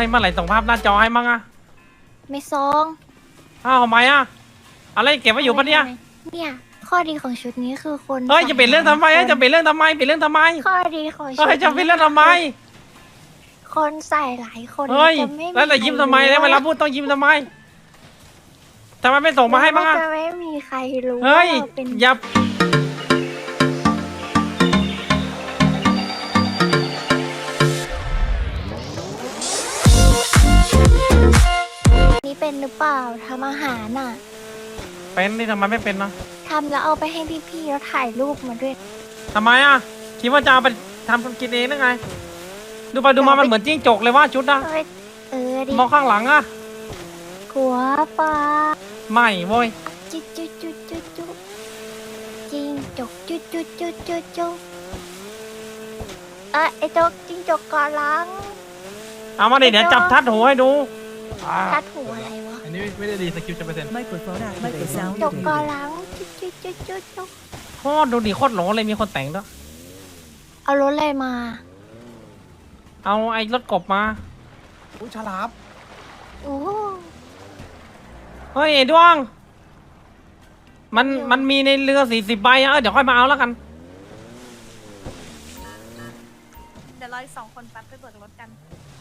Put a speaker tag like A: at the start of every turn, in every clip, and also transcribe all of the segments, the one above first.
A: เมื่อไหร่ส่งภาพหน้าจอให้มั่งอะ
B: ไม่ซอง
A: อ้าวทำไมอะอะไรเก็บไว้อยู่ปะเนี่ย
B: เนี่ยข้อดีของชุดนี้คือคน
A: เฮ้ยจะเปลี่ยนเรื่องทำไมจะเปลี่ยนเรื่องทำไมเปลี่ยนเรื่องทำไม
B: ข้อดีของชุด
A: เฮ้ยจะเปลี่ยนเรื่องทำไม
B: คนใส่หลายคน
A: เฮ้ย
B: จะไม่
A: แล้วแต่ยิ้มทำไมแล้วเวลาพูดต้องยิ้มทำไมไม่ส่งมาให้มั่งอะ
B: จะไม่มีใครรู้
A: เฮ้ย
B: ว่าเราเป็น
A: อย่า
B: นี่เป็นหรือเปล่าทำอาหารน่ะ
A: เป็นนี่ทำไมไม่เป็นนะ
B: ทำแล้วเอาไปให้พี่ๆแล้วถ่ายรูปมาด้วย
A: ทำไมอะคิดว่าจะเอาไปทำกินเองหรือไงดูไปดูมามันเหมือนจิ้งจกเลยว่าชุดนะ
B: เอ้ยดิ
A: มองข้างหลังอะ
B: กลัวปลา
A: ไม่โว้ย
B: จุดจุดจุดจุดจุดจิงจกจุดจุดจุดจุดจุดไอ้จกจิงจกเกาะหลัง
A: เอามาดิเดี๋ยวจับทัดหูให้ดู
B: ทัดหูอะไรวะ
C: อันนี้ไม่ได้ดีสกิลจะเปอร์เซ็นต์
D: Microphone activated.
B: จกเกาะหลังจุดจุดจุดจุดจุด
A: โคตรดูดิโคตรหลงเลยมีคนแต่งด้วย
B: เอารถอะไรมา
A: เอาไอ้รถกบมา
C: อุ้ยฉลาม
B: โอ้
A: เฮ้ยไอ้ดวงมันมีในเรือ40 ใบอะเดี๋ยวค่อยมาเอาแล้วกัน
E: เดี๋ยวรออีก2 คนแป๊บไปเบิกรถกัน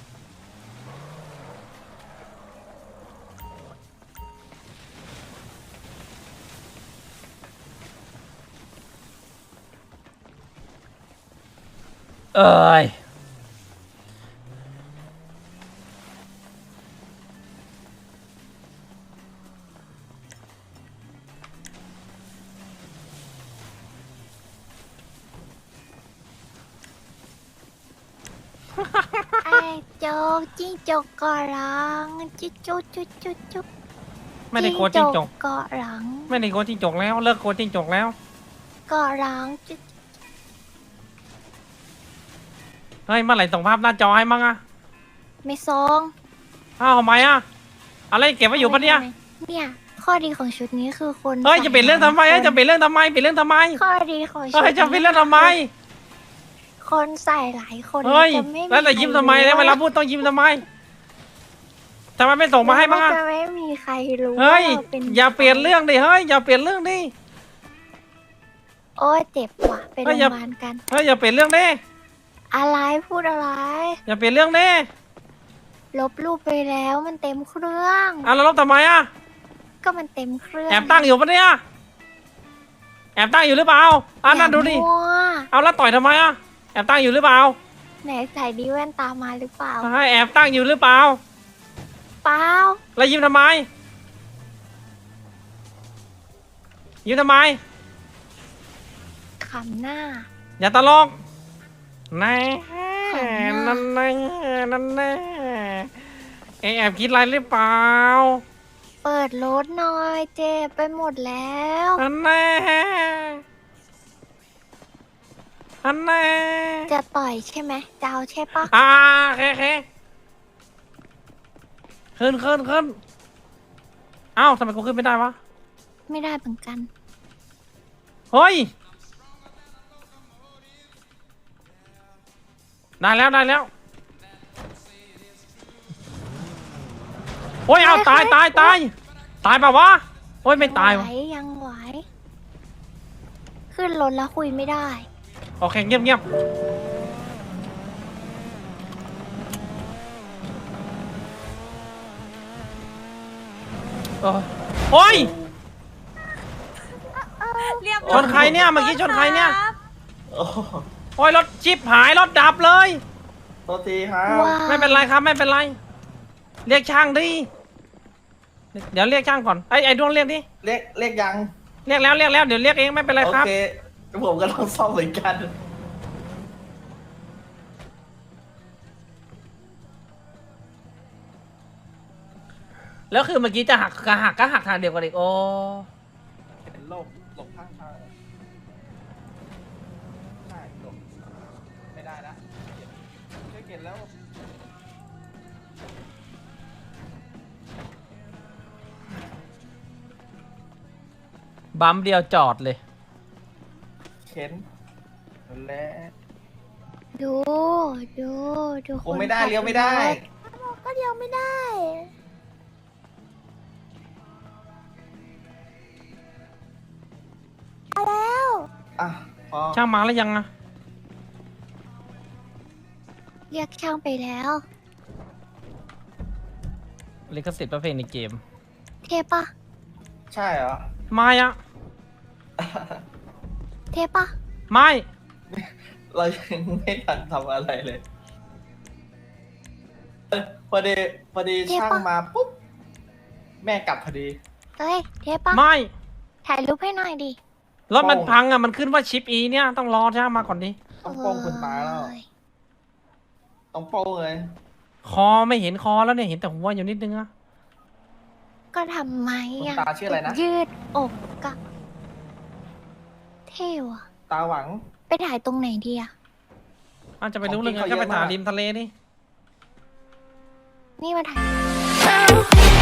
A: เอ้ย
B: ไอ้จกจิ้งจกเกาะหลังจุดจุดจุดจุดจุด
A: ไม่ได้โกนจิ้งจก
B: เกาะหลัง
A: ไม่ได้โกนจิ้งจกแล้วเลิกโกนจิ้งจกแล้ว
B: เกาะหลังจุด
A: เฮ้ยเมื่อไหร่ส่งภาพหน้าจอให้มั่งอะ
B: ไม่ซอง
A: อ้าวทำไมอะอะไรเก็บไว้อยู่ปะเนี่ย
B: เนี่ยข้อดีของชุดนี้คือคน
A: เฮ้ยจะเปลี่ยนเรื่องทำไมจะเปลี่ยนเรื่องทำไมเปลี่ยนเรื่องทำไม
B: ข้อดีของชุด
A: เฮ้ยจะเปลี่ยนเรื่องทำไม
B: คนใส่หลายคน
A: เฮ้ย
B: จะไม่
A: แล้วแต่ยิ้มทำไมแล้วเวลาพูดต้องยิ้มทำไมไม่ส่งมาให้มั่งอะ
B: จะไม่มีใครรู้
A: เฮ้ย
B: ว่าราเป็น
A: อย่าเปลี่ยนเรื่องดิเฮ้ยอย่าเปลี่ยนเรื่องดิ
B: โอ้ยเจ็บว่ะไป
A: เฮ้
B: โรง
A: ยอย่า
B: พยาบาลกัน
A: เฮ้ยอย่าเปลี่ยนเรื่องดิ
B: อะไรพูดอะไร
A: อย่าเปลี่ยนเรื่องดิ
B: ลบรูปไปแล้วมันเต็มเครื่อง
A: แล้วลบทำไมอะ
B: ก็มันเต็มเครื่อง
A: แอบตั้งอยู่ปะเนี่ยแอบตั้งอยู่หรือเปล่านั่นดูดิ
B: อย่ามั่ว
A: เอาแล้วต่อยทำไมอะแอบตั้งอยู่หรือเปล่า
B: ไหนใส่ดีแว่นตามาหรือเปล่า
A: ให้แอบตั้งอยู่หรือเปล่า
B: เปล่า
A: แล้วยิ้มทำไมยิ้มทำไม
B: ขำหน้า
A: อย่าตลกแน่
B: ขำหน้า
A: นั่นแน่นั่นแน่แอบคิดอะไรหรือเปล่า
B: เปิดรถหน่อยเจ็บไปหมดแล้ว
A: อันแน่อันแน่
B: จะต่อยใช่ไหมจะเอาใช่ปะ
A: โอเคขึ้นเอ้าทำไมกูขึ้นไม่ได้วะ
B: ไม่ได้เหมือนกัน
A: เฮ้ยได้แล้วโอ้ยเอาตายเปล่าวะโอ้ยไม่ตายวะ
B: ยังไหวขึ้นรถแล้วคุยไม่ได้
A: โอเคเงียบโอ้ย
E: เรียบ
A: ชนใครเนี่ยเมื่อกี้ชนใครเนี่ย
E: ครับ
C: โอ้โห
A: โอ้ยรถชิปหายรถดับเลย
C: โทษทีครับ
B: ว้า
A: ไม่เป็นไรครับไม่เป็นไร เรียกช่างดิเดี๋ยวเรียกช่างก่อนไอ้ดวงเรียกดิ
C: เรียกยัง
A: เรียกแล้วเดี๋ยวเรียกเองไม่เป็นไร
C: โอ
A: ครับ
C: เคผมก็ต้องซ่อมเหมือนกัน
A: แล้วคือเมื่อกี้จะหักทางเดียวกันอีกโอ้
C: เป็นโรคหลบข้างทางใช่หลบไม่ได้ละช่วยเก็บแล้ว
A: บัมเดียวจอดเลย
C: เข็นและ
B: ดู
C: ผมไม่ได้เลี้ยวไม่ได้
B: ก็เดียวไม่ได้มาแล้ว
C: อ่ะพอ
A: ช่างมาแล้วยังอะ
B: เรียกช่างไปแล้ว
A: ลิขสิทธิ์ประเพลงในเกม
B: เทปะ
C: ใช่เหรอ
A: ไม่อะ
B: เทปะ
A: ไม่
C: เรายังไม่ทันทำอะไรเลยพอดีช่างมาปุ๊บแม่กลับพอดี
B: เอ้ยเทปะ
A: ไม่
B: ถ่ายรูปให้หน่อยดิ
A: รถมันพังอะมันขึ้นว่าชิปอีเนี่ยต้องรอช่างมาก่อนดิ
C: ต้องโป้งคุณตาแล้ว
B: เอ้ย
C: ต้องโป้งเลย
A: คอไม่เห็นคอแล้วเนี่ยเห็นแต่หัวอยู่นิดนึงอะ
B: ก็ทำไม
C: คุณ
B: อ่ะ
C: ตาชื่ออะไรนะ
B: ยืดอกกะเท่ว่ะ
C: ตาหวัง
B: ไปถ่ายตรงไหนดีอ่ะ
A: อาจจะไปรู้เรื่อง
C: ของ
A: ไง
C: กินเขา
A: ก็ไป
C: เยอะ
A: ถ่าย
C: มาก
A: ริมทะเลนี่
B: นี่มาถ่าย